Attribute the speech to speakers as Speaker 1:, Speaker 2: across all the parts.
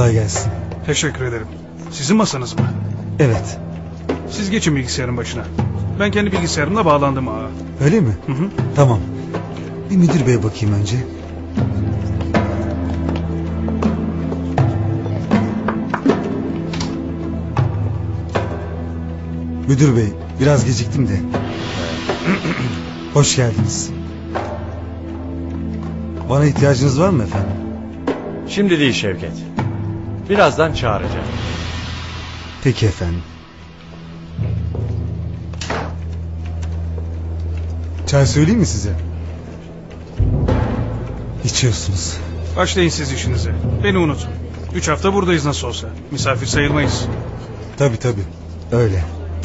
Speaker 1: Kolay gelsin.
Speaker 2: Teşekkür ederim. Sizin masanız mı?
Speaker 1: Evet.
Speaker 2: Siz geçin bilgisayarın başına. Ben kendi bilgisayarımla bağlandım ağa.
Speaker 1: Öyle mi?
Speaker 2: Hı hı.
Speaker 1: Tamam. Bir müdür beye bakayım önce. Müdür bey, biraz geciktim de. Hoş geldiniz. Bana ihtiyacınız var mı efendim?
Speaker 3: Şimdi değil Şevket. Birazdan çağıracağım.
Speaker 1: Peki efendim. Çay söyleyeyim mi size? İçiyorsunuz.
Speaker 2: Başlayın siz işinize. Beni unutun. 3 hafta buradayız nasıl olsa. Misafir sayılmayız.
Speaker 1: Tabii öyle.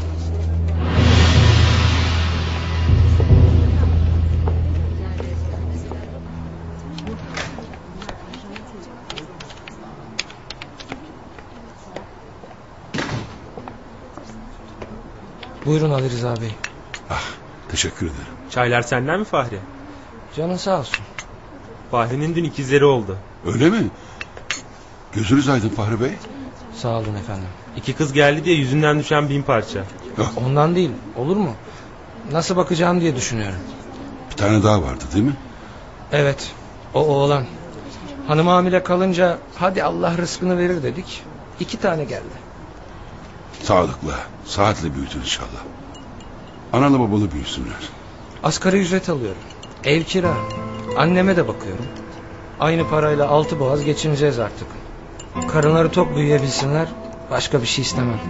Speaker 4: Buyurun Ali Rıza Bey.
Speaker 5: Teşekkür ederim.
Speaker 6: Çaylar senden mi Fahri?
Speaker 4: Canın sağ olsun.
Speaker 6: Fahri'nin dün ikizleri oldu.
Speaker 5: Öyle mi? Gözünüz aydın Fahri Bey.
Speaker 4: Sağ olun efendim.
Speaker 6: 2 kız geldi diye yüzünden düşen 1000 parça.
Speaker 4: Ondan değil, olur mu? Nasıl bakacağım diye düşünüyorum.
Speaker 5: Bir tane daha vardı değil mi?
Speaker 4: Evet, o oğlan. Hanım hamile kalınca hadi Allah rızkını verir dedik. 2 tane geldi.
Speaker 5: Sağlıklı, sıhhatle büyütün inşallah. Analı babalı büyüsünler.
Speaker 4: Asgari ücret alıyorum. Ev kira. Anneme de bakıyorum. Aynı parayla 6 boğaz geçineceğiz artık. Karınları tok büyüyebilsinler. Başka bir şey istemem.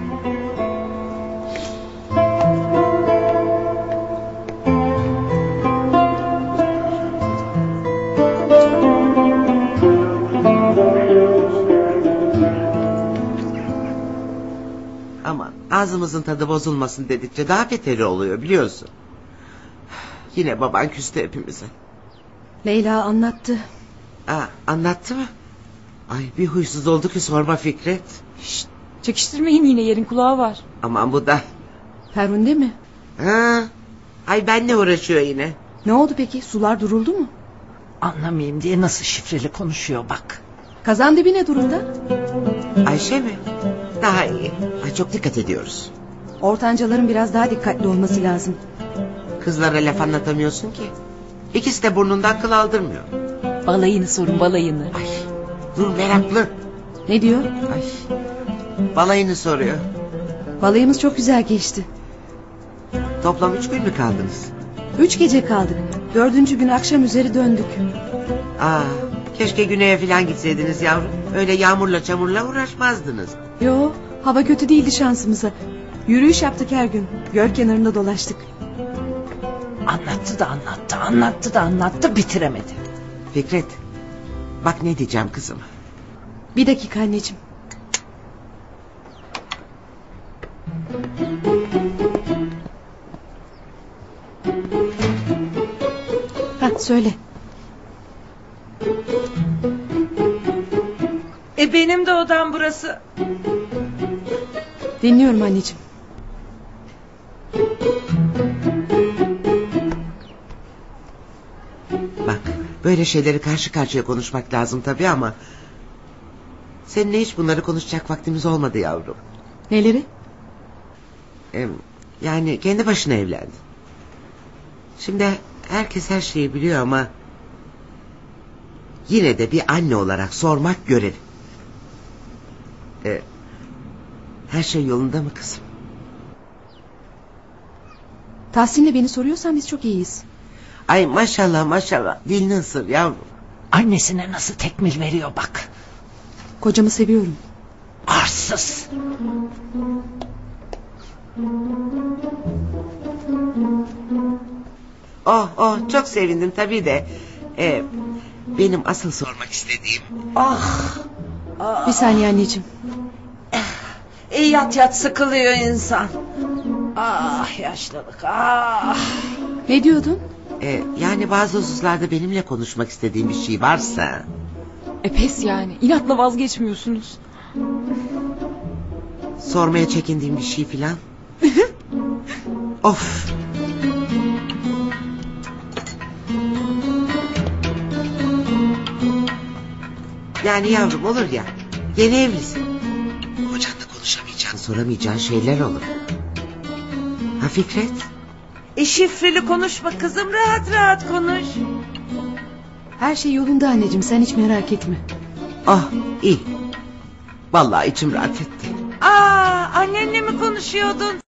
Speaker 7: Aman ağzımızın tadı bozulmasın dedikçe daha beteri oluyor biliyorsun. Yine baban küstü hepimize.
Speaker 8: Leyla anlattı.
Speaker 7: Anlattı mı? Ay bir huysuz oldu ki sorma Fikret.
Speaker 8: Şşt, çekiştirmeyin yine, yerin kulağı var.
Speaker 7: Aman bu da.
Speaker 8: Ferhunde mi?
Speaker 7: Ay benle uğraşıyor yine.
Speaker 8: Ne oldu peki, sular duruldu mu?
Speaker 9: Anlamayayım diye nasıl şifreli konuşuyor bak.
Speaker 8: Kazan dibi ne durumda?
Speaker 7: Ayşe mi? Daha iyi. Ay çok dikkat ediyoruz.
Speaker 8: Ortancaların biraz daha dikkatli olması lazım.
Speaker 7: Kızlara laf anlatamıyorsun ki. İkisi de burnundan kıl aldırmıyor.
Speaker 9: Balayını sorun, balayını.
Speaker 7: Ay dur meraklı.
Speaker 8: Ne diyor?
Speaker 7: Ay balayını soruyor.
Speaker 8: Balayımız çok güzel geçti.
Speaker 7: Toplam 3 gün mü kaldınız?
Speaker 8: 3 gece kaldık. 4. gün akşam üzeri döndük.
Speaker 7: Keşke güneye falan gitseydiniz yavrum. Öyle yağmurla çamurla uğraşmazdınız.
Speaker 8: Yo, hava kötü değildi şansımıza. Yürüyüş yaptık her gün. Göl kenarında dolaştık.
Speaker 9: Anlattı da anlattı bitiremedi.
Speaker 7: Fikret, bak ne diyeceğim kızım.
Speaker 8: Bir dakika anneciğim. Söyle.
Speaker 9: Benim de odam burası.
Speaker 8: Dinliyorum anneciğim.
Speaker 7: Bak böyle şeyleri karşı karşıya konuşmak lazım tabii ama... seninle hiç bunları konuşacak vaktimiz olmadı yavrum.
Speaker 8: Neleri?
Speaker 7: Yani kendi başına evlendin. Şimdi herkes her şeyi biliyor ama... yine de bir anne olarak sormak görev. Her şey yolunda mı kızım?
Speaker 8: Tahsin'le beni soruyorsan biz çok iyiyiz.
Speaker 7: Ay maşallah dilini ısır yavrum.
Speaker 9: Annesine nasıl tekmil veriyor bak.
Speaker 8: Kocamı seviyorum.
Speaker 9: Arsız.
Speaker 7: Oh çok sevindim tabii de. Benim asıl sormak istediğim...
Speaker 8: Bir saniye anneciğim.
Speaker 9: Yat sıkılıyor insan. Yaşlılık.
Speaker 8: Ne diyordun?
Speaker 7: Yani bazı hususlarda benimle konuşmak istediğim bir şey varsa...
Speaker 8: Pes yani, inatla vazgeçmiyorsunuz.
Speaker 7: Sormaya çekindiğim bir şey filan. Of. Yani yavrum olur ya. Yeni evlisin. Kocanla konuşamayacağın, soramayacağın şeyler olur. Ha Fikret?
Speaker 10: Şifreli konuşma kızım, rahat rahat konuş.
Speaker 8: Her şey yolunda anneciğim, sen hiç merak etme.
Speaker 7: Ah iyi. Vallahi içim rahat etti.
Speaker 10: Annenle mi konuşuyordun?